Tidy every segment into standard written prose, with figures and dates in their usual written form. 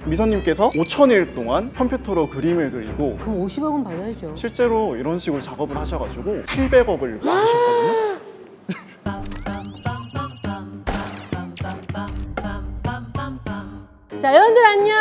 미선님께서 5,000일 동안 컴퓨터로 그림을 그리고 그럼 50억은 받아야죠. 실제로 이런 식으로 작업을 하셔가지고 700억을 받으셨거든요. 자, 여러분들 안녕.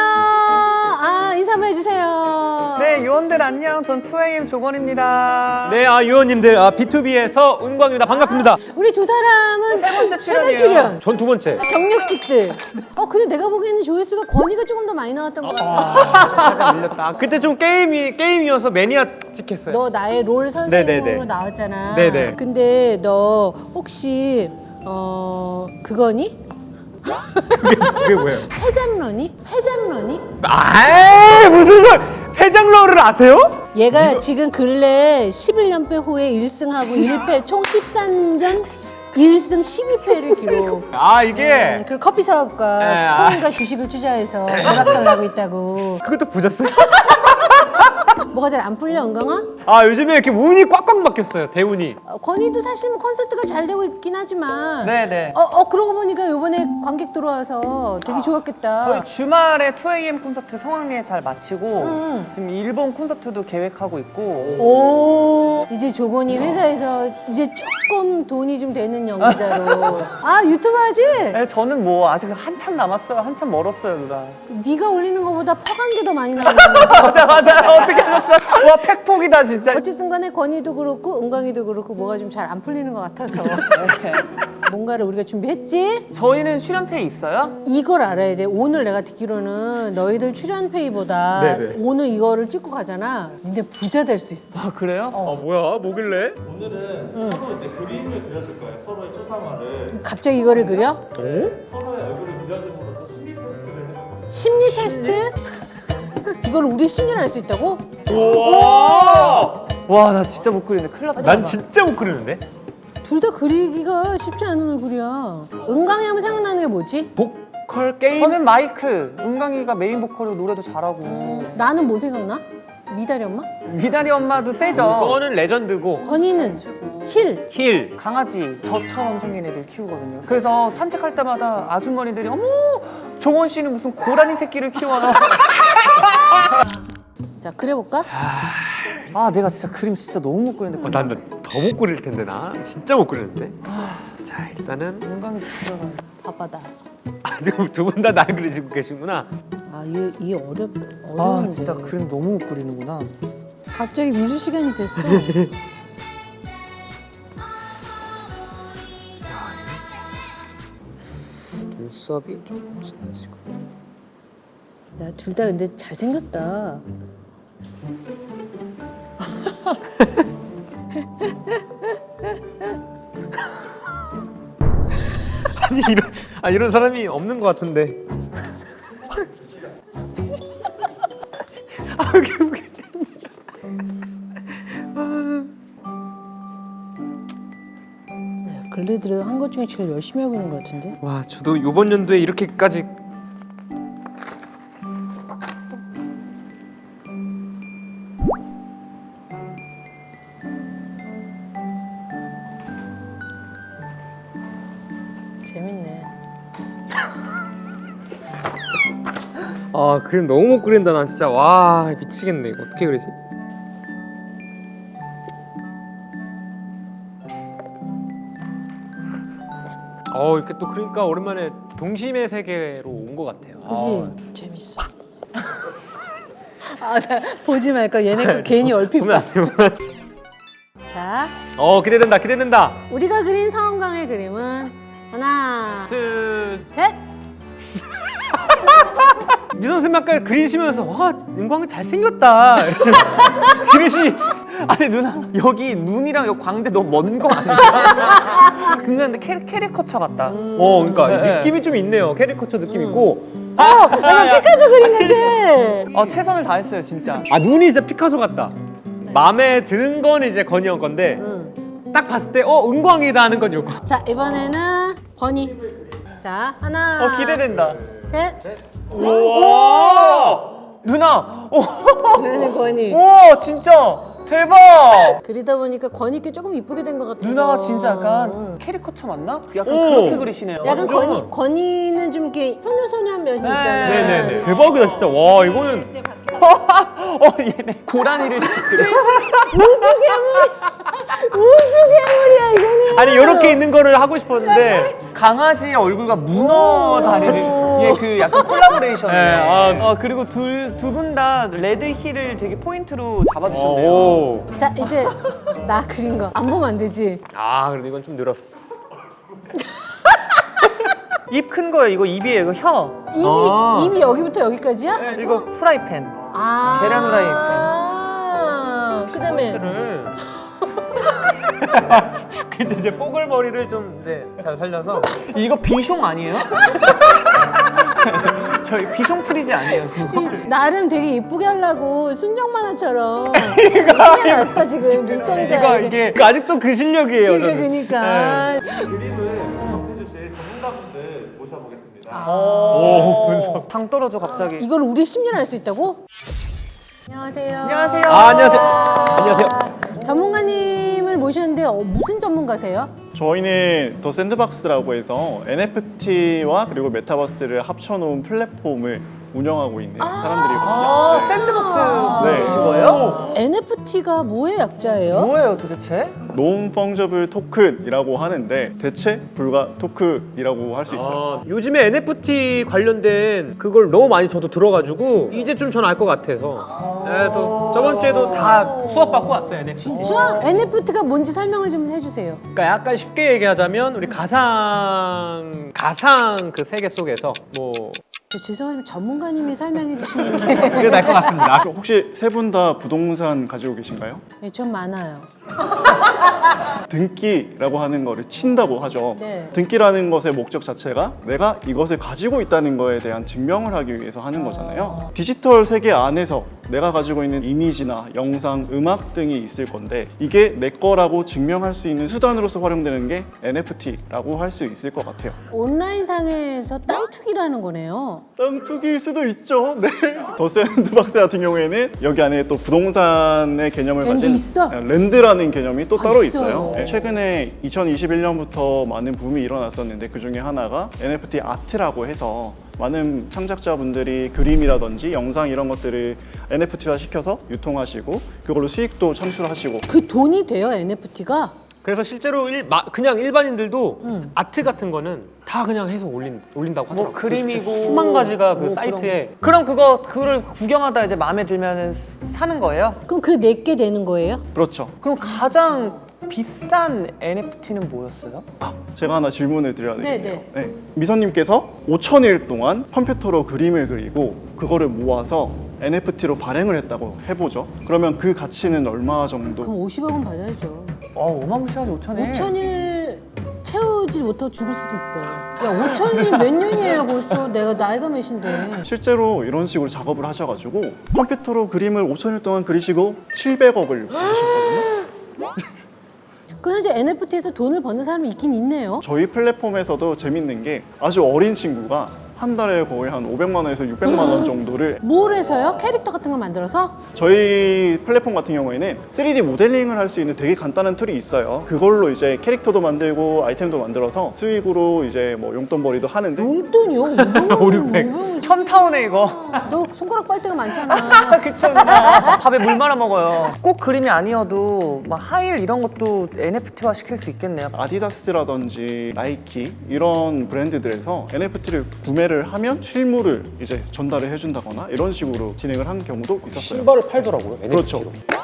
인사 한번 해주세요. 네, 요원들 안녕. 전 2AM 조건입니다. 네, 유원님들 B2B에서 은광입니다. 반갑습니다. 우리 두 사람은 세 번째 최대 출연이에요. 출연. 전 두 번째. 경력직들. 근데 내가 보기에는 조회수가 권위가 조금 더 많이 나왔던 것 같아. 살짝 밀렸다. 그때 좀 게임이어서 매니아틱했어요. 너 나의 롤 선생님으로 네네네. 나왔잖아. 네네. 근데 너 혹시 그거니? 그게 뭐예요? 회장러니? 회장러니? 아이 무슨 소리? 회장러를 아세요? 얘가 지금 근래 11연패 후에 1승하고 1패 총 13전 1승 12패를 기록. 이게 그리고 커피 사업과 네, 코인과 주식을 투자해서 오락설 나고 있다고. 그것도 보셨어요? 뭐가 잘 안 풀려, 은강아? 요즘에 이렇게 운이 꽉꽉 막혔어요. 대운이. 건이도 사실 뭐 콘서트가 잘 되고 있긴 하지만. 네네. 그러고 보니까 이번에 관객 들어와서 되게 좋았겠다. 저희 주말에 2AM 콘서트 성황리에 잘 마치고 음. 지금 일본 콘서트도 계획하고 있고 오. 이제 조건이 회사에서 이제 조금 돈이 좀 되는 연기자로. 유튜브 하지? 네, 저는 뭐 아직 한참 남았어요. 한참 멀었어요, 누나. 네가 올리는 것보다 퍼간 게 더 많이 나오잖아. 맞아요. 어떻게 하셨어요? 와, 팩폭이다 진짜. 어쨌든 간에 건이도 그렇고 은광이도 그렇고 뭐가 좀 잘 안 풀리는 것 같아서 뭔가를 우리가 준비했지? 저희는 출연패 있어요? 이걸 알아야 돼. 오늘 내가 듣기로는 너희들 출연 페이보다 네네. 오늘 이거를 찍고 가잖아. 니네 부자 될 수 있어. 아, 그래요? 뭐야? 뭐길래? 오늘은 서로 이제 그림을 그려줄 거예요. 서로의 초상화를 갑자기 이거를 그려? 서로의 얼굴을 그려줌으로써 심리 테스트를 해줄 거예요. 심리 테스트? 이걸 우리 심리를 알 수 있다고? 우와! 와, 나 진짜 못 그리네. 큰일 났다. 난 진짜 못 그리는데? 둘 다 그리기가 쉽지 않은 얼굴이야. 은광이 하면 생각나는 게 뭐지? 보컬 게임? 저는 마이크. 은강이가 메인 보컬이고 노래도 잘하고. 나는 뭐 생각나? 미다리 엄마? 미다리 엄마도 세죠. 그거는 레전드고 건이는 힐. 힐. 강아지 저처럼 생긴 애들 키우거든요. 그래서 산책할 때마다 아주머니들이 어머 종원 씨는 무슨 고라니 새끼를 키워요. 자, 그려볼까? 아 내가 진짜 그림 진짜 너무 못 그리는데. 난 더 못 그릴 텐데 나 진짜 못 그리는데. 자 일단은 은강이 그려가. 바빠다. 지금 두 분 다 날 그리시고 계시구나. 이게 어려운데. 아 진짜 그림 너무 못 그리는구나. 갑자기 미술 시간이 됐어. 눈썹이 좀 진하시고. 야, 둘 다 근데 잘생겼다. 이런 사람이 없는 것 같은데. 웃겨. 근래 들어 한 것 중에 제일 열심히 하고 있는 것 같은데? 와 저도 이번 연도에 이렇게까지 재밌네. 그림 너무 못 그린다 나 진짜. 와 미치겠네. 이거 어떻게 그리지? 이렇게 또 그러니까 오랜만에 동심의 세계로 온 것 같아요. 그치? 재밌어. 나 보지 말까. 얘네 거 괜히 얼핏 보면 안 봤어. 돼요. 자, 기대된다. 우리가 그린 서은광의 그림은 하나, 둘. 셋. 미선 선생님 아까 그리시면서 와 은광이 잘생겼다. 그릇이 아니 누나 여기 눈이랑 여기 광대 너무 먼 거 아니야? 근데 캐리커처 같다. 그러니까 네. 느낌이 좀 있네요. 캐리커처 느낌 있고. 내가 피카소 그린 같아. 최선을 다했어요 진짜. 눈이 진짜 피카소 같다. 마음에 드는 건 이제 건이 형 건데 딱 봤을 때 은광이다 하는 건 요거. 자, 이번에는 권이. 자, 하나, 기대된다. 셋. 우와! 누나! 이번에는 권이. 오 진짜! 대박! 그리다 보니까 권익게 조금 이쁘게 된 것 같아요. 누나가 진짜 약간 캐리커처 맞나? 약간 오. 그렇게 그리시네요. 약간 권희는 좀 이렇게 소녀소녀한 면이 있잖아요. 네네네. 대박이다 진짜. 와 이거는 얘네 고라니를 우주 괴물이야 이거는. 아니 이렇게 있는 거를 하고 싶었는데. 강아지의 얼굴과 문어 다리를 그 약간 콜라보레이션을. 네, 그리고 두 분 다 레드 힐을 되게 포인트로 잡아주셨네요. 오. 자 이제 나 그린 거 안 보면 안 되지. 아 그래도 이건 좀 늘었어. 입 큰 거예요. 이거 입이에요. 이거 혀. 이미 여기부터 여기까지야? 이거 프라이팬. 아. 계란 후라이팬. 그다음에 근데 이제 뽀글머리를 좀 이제 잘 살려서. 이거 비숑 아니에요? 저희 비숑 프리즈 아니에요. 그거. 나름 되게 이쁘게 하려고 순정 만화처럼 이쁘게 났어 지금 눈동자 이게 아직도 그 실력이에요. 저는. 그러니까 그림을 분석해 주실 전문가분들 모셔보겠습니다. 오 분석. 당 떨어져 갑자기. 이걸 우리 10년 할 수 있다고? 안녕하세요. 안녕하세요. 안녕하세요. 안녕하세요. 전문가님을 모셨는데 무슨 전문가세요? 저희는 더 샌드박스라고 해서 NFT와 그리고 메타버스를 합쳐놓은 플랫폼을 운영하고 있는 사람들이거든요. 네. 샌드박스 네. 보신 거예요? NFT가 뭐의 약자예요? 뭐예요 도대체? 논 펑저블 토큰이라고 하는데 대체 불가 토큰이라고 할 수 있어요. 요즘에 NFT 관련된 그걸 너무 많이 저도 들어가지고 이제 좀 전 알 것 같아서. 네, 또 저번 주에도 다 수업 받고 왔어요 NFT. 진짜? NFT가 뭔지 설명을 좀 해주세요. 그러니까 약간 쉽게 얘기하자면 우리 가상 그 세계 속에서 뭐 죄송하지만 전문가님이 설명해 주시는 게 그게 나을 것 같습니다. 혹시 세 분 다 부동산 가지고 계신가요? 네, 좀 많아요. 등기라고 하는 거를 친다고 하죠. 네. 등기라는 것의 목적 자체가 내가 이것을 가지고 있다는 거에 대한 증명을 하기 위해서 하는 거잖아요. 디지털 세계 안에서 내가 가지고 있는 이미지나 영상, 음악 등이 있을 건데 이게 내 거라고 증명할 수 있는 수단으로서 활용되는 게 NFT라고 할 수 있을 것 같아요. 온라인상에서 땅 투기라는 거네요. 땅 투기일 수도 있죠. 네. 더 샌드박스 같은 경우에는 여기 안에 또 부동산의 개념을 랜드 가진 있어? 랜드라는 개념이 또 따로 있어요. 있어요. 네. 최근에 2021년부터 많은 붐이 일어났었는데 그 중에 하나가 NFT 아트라고 해서 많은 창작자분들이 그림이라든지 영상 이런 것들을 NFT화 시켜서 유통하시고 그걸로 수익도 창출하시고 그 돈이 돼요, NFT가? 그래서 실제로 그냥 일반인들도 아트 같은 거는 다 그냥 해서 올린다고 하더라고요. 뭐 그림이고 수만 가지가 그 뭐 사이트에. 그럼 그거를 구경하다 이제 마음에 들면은 사는 거예요? 그럼 그 내게 되는 거예요? 그렇죠. 그럼 가장 비싼 NFT는 뭐였어요? 제가 하나 질문을 드려야 되겠네요. 네, 네. 미선님께서 5,000일 동안 컴퓨터로 그림을 그리고 그거를 모아서 NFT로 발행을 했다고 해보죠. 그러면 그 가치는 얼마 정도? 그럼 50억은 받아야죠. 어마무시하지 5천에. 5천일 채우지 못하고 죽을 수도 있어. 야, 5천일이 몇 년이에요 벌써. 내가 나이가 몇인데. 실제로 이런 식으로 작업을 하셔가지고 컴퓨터로 그림을 5,000일 동안 그리시고 700억을 받으셨거든요. 그 현재 NFT에서 돈을 버는 사람이 있긴 있네요. 저희 플랫폼에서도 재밌는 게 아주 어린 친구가 한 달에 거의 한 500만 원에서 600만 원 정도를 뭘 해서요? 캐릭터 같은 걸 만들어서? 저희 플랫폼 같은 경우에는 3D 모델링을 할 수 있는 되게 간단한 툴이 있어요. 그걸로 이제 캐릭터도 만들고 아이템도 만들어서 수익으로 이제 뭐 용돈벌이도 하는데 용돈이요? 500만 현타오네 이거. 너 손가락 빨대가 많잖아. 그쵸 누나. 밥에 물 말아 먹어요. 꼭 그림이 아니어도 막 하일 이런 것도 NFT화 시킬 수 있겠네요. 아디다스라든지 나이키 이런 브랜드들에서 NFT를 구매를 하면 실물을 이제 전달을 해준다거나 이런 식으로 진행을 한 경우도 있었어요. 신발을 팔더라고요. 그렇죠.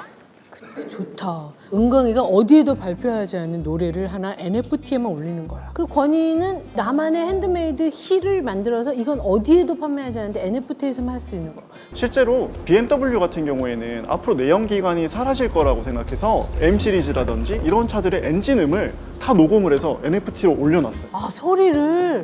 좋다. 은광이가 어디에도 발표하지 않는 노래를 하나 NFT에만 올리는 거야. 그리고 권희는 나만의 핸드메이드 힐을 만들어서 이건 어디에도 판매하지 않는데 NFT에서만 할 수 있는 거. 실제로 BMW 같은 경우에는 앞으로 내연기관이 사라질 거라고 생각해서 M 시리즈라든지 이런 차들의 엔진음을 다 녹음을 해서 NFT로 올려놨어요. 아, 소리를.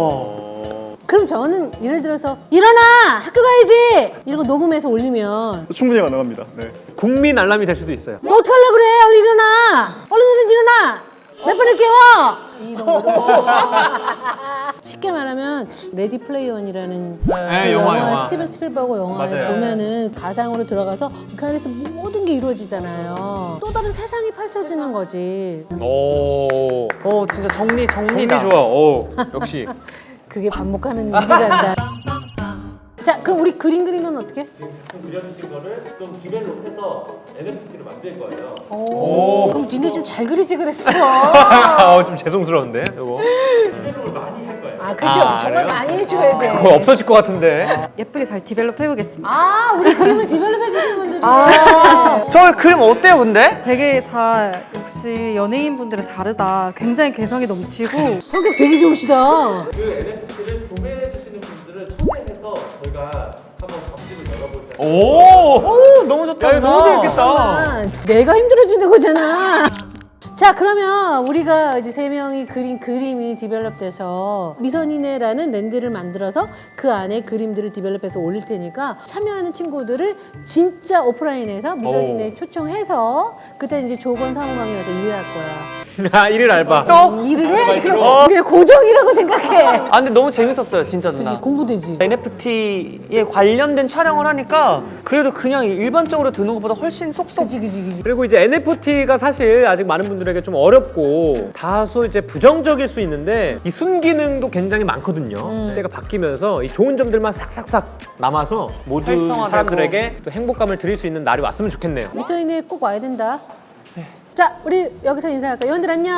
그럼 저는 예를 들어서 일어나! 학교 가야지! 이런 거 녹음해서 올리면 충분히 가능합니다. 네. 국민 알람이 될 수도 있어요. 너 어떻게 하려고 그래? 얼른 일어나! 얼른 일어나! 몇 번을 깨워! 이런 거. 쉽게 말하면 레디 플레이 원이라는 네, 그 영화, 영화 영화. 스티븐 스필버그 영화에 맞아요. 보면은 가상으로 들어가서 그 안에서 모든 게 이루어지잖아요. 또 다른 세상이 펼쳐지는 거지. 오. 진짜 정리다. 정리 좋아. 오. 역시. 그게 반복하는 일이란다. 자, 그럼 우리 그림 그린 건 어떻게? 작품 그려주신 거를 좀 디벨롭해서 NFT로 만들 거예요. 오, 그럼 니네 좀 잘 그리지 그랬어. 좀 죄송스러운데 이거. 디벨롭을 많이 할 거예요. 아, 그죠. 아, 정말 그래요? 많이 해줘야 돼. 그거 없어질 것 같은데. 예쁘게 잘 디벨롭 해보겠습니다. 아, 우리 그림을 디벨롭 해주시는 분들이. 저 그림 어때요, 근데? 되게 다 역시 연예인분들은 다르다. 굉장히 개성이 넘치고 성격 되게 좋으시다. 그 NFT를 구매해 주시는 분들을 초대해서 저희가 한번 밥집을 열어보자. 오. 너무 좋다. 야, 이거 너무 재밌겠다. 잠깐만, 내가 힘들어지는 거잖아. 자, 그러면 우리가 이제 세 명이 그린 그림이 디벨롭돼서 미선이네라는 랜드를 만들어서 그 안에 그림들을 디벨롭해서 올릴 테니까 참여하는 친구들을 진짜 오프라인에서 미선이네 초청해서 그때 이제 조건 사무방에 가서 일할 거야. 아, 일일 알바. 일을 해야지. 그럼 우리가 고정이라고 생각해. 아, 근데 너무 재밌었어요, 진짜 누나. 그치, 공부되지. NFT에 관련된 촬영을 하니까 그래도 그냥 일반적으로 드는 것보다 훨씬 쏙쏙. 그치. 그리고 이제 NFT가 사실 아직 많은 분들에게 좀 어렵고 다소 이제 부정적일 수 있는데 이 순기능도 굉장히 많거든요. 시대가 바뀌면서 이 좋은 점들만 싹싹싹 남아서 모두 활성화되고. 사람들에게 또 행복감을 드릴 수 있는 날이 왔으면 좋겠네요. 미선이네 꼭 와야 된다. 자, 우리 여기서 인사할까? 여러분들 안녕.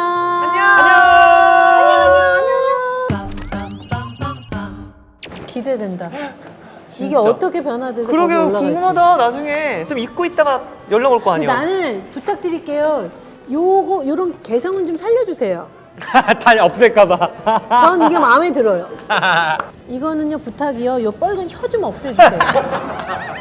기대된다. 이게 어떻게 변화돼서 거기 그러게요, 올라갈지. 궁금하다. 나중에 좀 잊고 있다가 연락 올 거 근데 아니에요? 나는 부탁드릴게요. 요런 개성은 좀 살려주세요. 다 없앨까봐. 전 이게 마음에 들어요. 이거는요 부탁이요. 요 빨간 혀 좀 없애주세요.